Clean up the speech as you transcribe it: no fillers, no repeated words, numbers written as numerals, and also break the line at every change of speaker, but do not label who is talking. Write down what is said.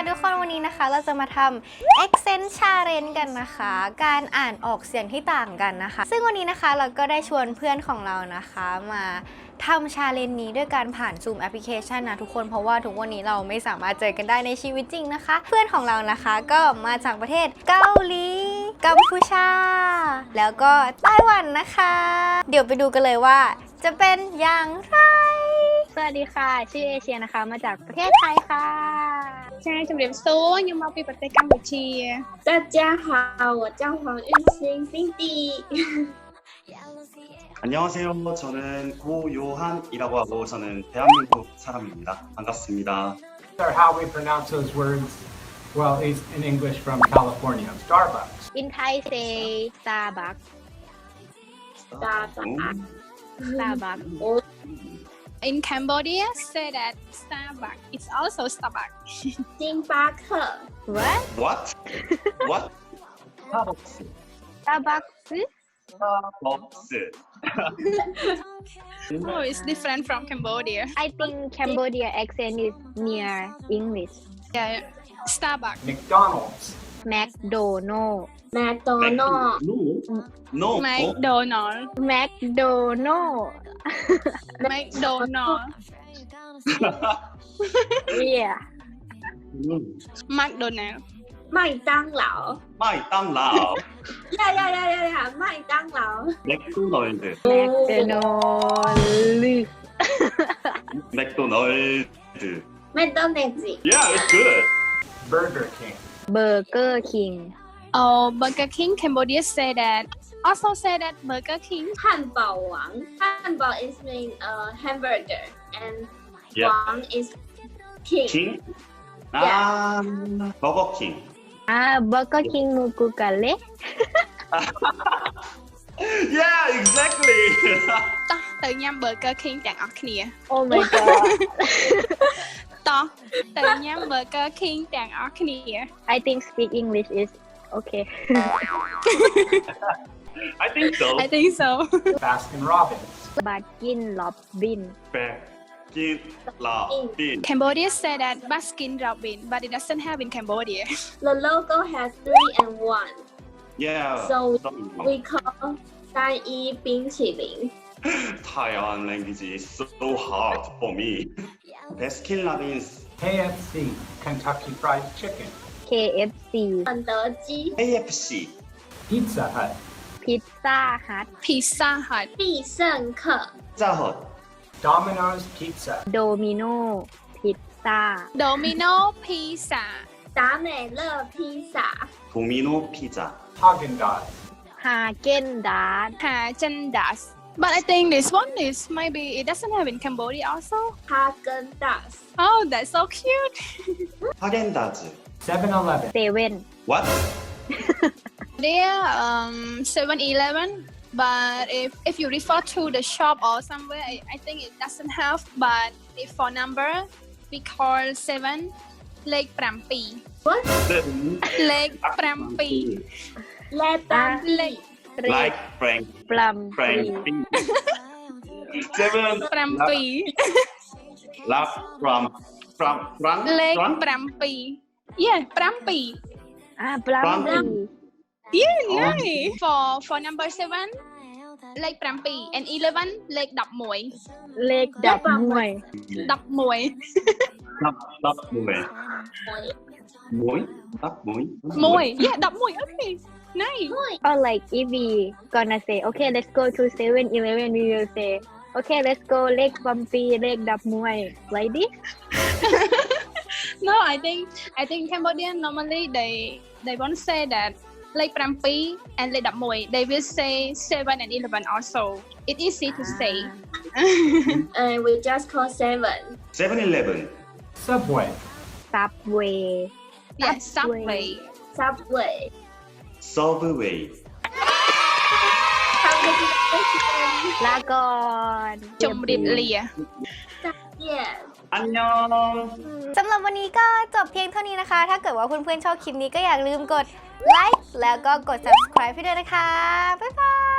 ทุกคนวันนี้นะคะเราจะมาทำ accent challenge กันนะคะการอ่านออกเสียงที่ต่างกันนะคะซึ่งวันนี้นะคะเราก็ได้ชวนเพื่อนของเรานะคะมาทำ challenge นี้ด้วยการผ่าน Zoom แอปพลิเคชันนะทุกคนเพราะว่าทุกวันนี้เราไม่สามารถเจอกันได้ในชีวิตจริงนะคะเพื่อนของเรานะคะก็มาจากประเทศเกาหลีกัมพูชาแล้วก็ไต้หวันนะคะเดี๋ยวไปดูกันเลยว่าจะเป็นอย่างไรสวัสดีค่ะชื่อเอเชียนะคะมาจากประเทศไทยค่ะ
ใช่ជំរាបសួរខ្ញុំមកពីប្រទេសកម្ពុជា
大家好，我叫黄玉兴 Cindy。
안녕하세요. 저는 고요한이라고 하고 저는 대한민국 사람입니다. 반갑습니다.
How we pronounce those words? Well, it's in English from California. Starbucks.
In Thai say Starbucks Starbucks
In Cambodia say that Starbucks it's also Starbucks
星巴克
What?
What? What? 스타벅스.
Starbucks
스타벅스.
oh it's different from Cambodia
I think Cambodia accent is near English
yeah Starbucks
McDonald's.
McDonald
แมคโดนัลด์
No.
McDonald
McDonald
McDonald
Yeah
McDonald
麦当劳
마이땅라.
呀，麦当劳
맥도날드.
McDonald
맥도날드.
麦当劳
Yeah, it's good.
Burger King.
Burger King
oh Burger King Cambodia say that also say that Burger King
汉堡王汉堡 is mean hamburger and
Yeah.
王 is king
킹. 아, 버거킹.
Burger King Mukukale
Yeah, exactly.
តោះទៅញ៉ាំ Burger King ទាំងអស់គ្នា
Oh my god
តោះទៅញ៉ាំ Burger King ទាំងអស់គ្នា
I think speak English is okay
I think so.
I think so
Baskin Robbins.
Baskin Robbins
백길라빈.
Cambodia say that Baskin Robbins but it doesn't have in Cambodia
the logo has 3 and 1
Yeah.
so we call 单一冰淇淋
Taiwan language is so hard for me. Baskin Robbins.
KFC. Kentucky Fried Chicken.
KFC
肯德基
KFC.
Pizza Hut.
Pizza Hut
Pizza Hut
必胜客
Pizza
Domino's Pizza.
Domino Pizza
Domino Pizza
达美乐披萨
도미노 피자.
Haagen-Dazs.
Häagen-Dazs
Häagen-Dazs but I think this one is maybe it doesn't have in Cambodia also
哈根达斯
oh that's so cute
하겐다즈.
7-Eleven.
Seven
What?
there 7-Eleven but if you refer to the shop or somewhere I think it doesn't have but if for number we call 7 เลข 7 เลข 7
และตั้ง
เลข
Like Frank.
Plum
Frank. Seven.
7
Lap from
เลข
from
7 yeah 7
Plum
yeah nice for number 7 เลข 7 and 11 เลข 11
เลขดับมวย
11
lap moy. Lap moy.
មួយ yeah 11 okay nice
Or like if we gonna say okay let's go to 7-Eleven we will say okay let's go เลขบัมปีเลขดับมวย like this
no I think Cambodian normally they won't say that លេខ 7 and លេខ 11 they will say 7 and 11 also it easy to say
and we just call 7
7-Eleven.
Subway.
Subway
yeah Subway
Subway
Subway.
ลาก่อน
ជម្រាបលា
yes
안녕.
สำหรับวันนี้ก็จบเพียงเท่านี้นะคะ ถ้าเกิดว่าเพื่อนๆชอบคลิปนี้ก็อย่าลืมกดไลค์แล้วก็กด subscribe ให้ด้วยนะคะ บ๊ายบาย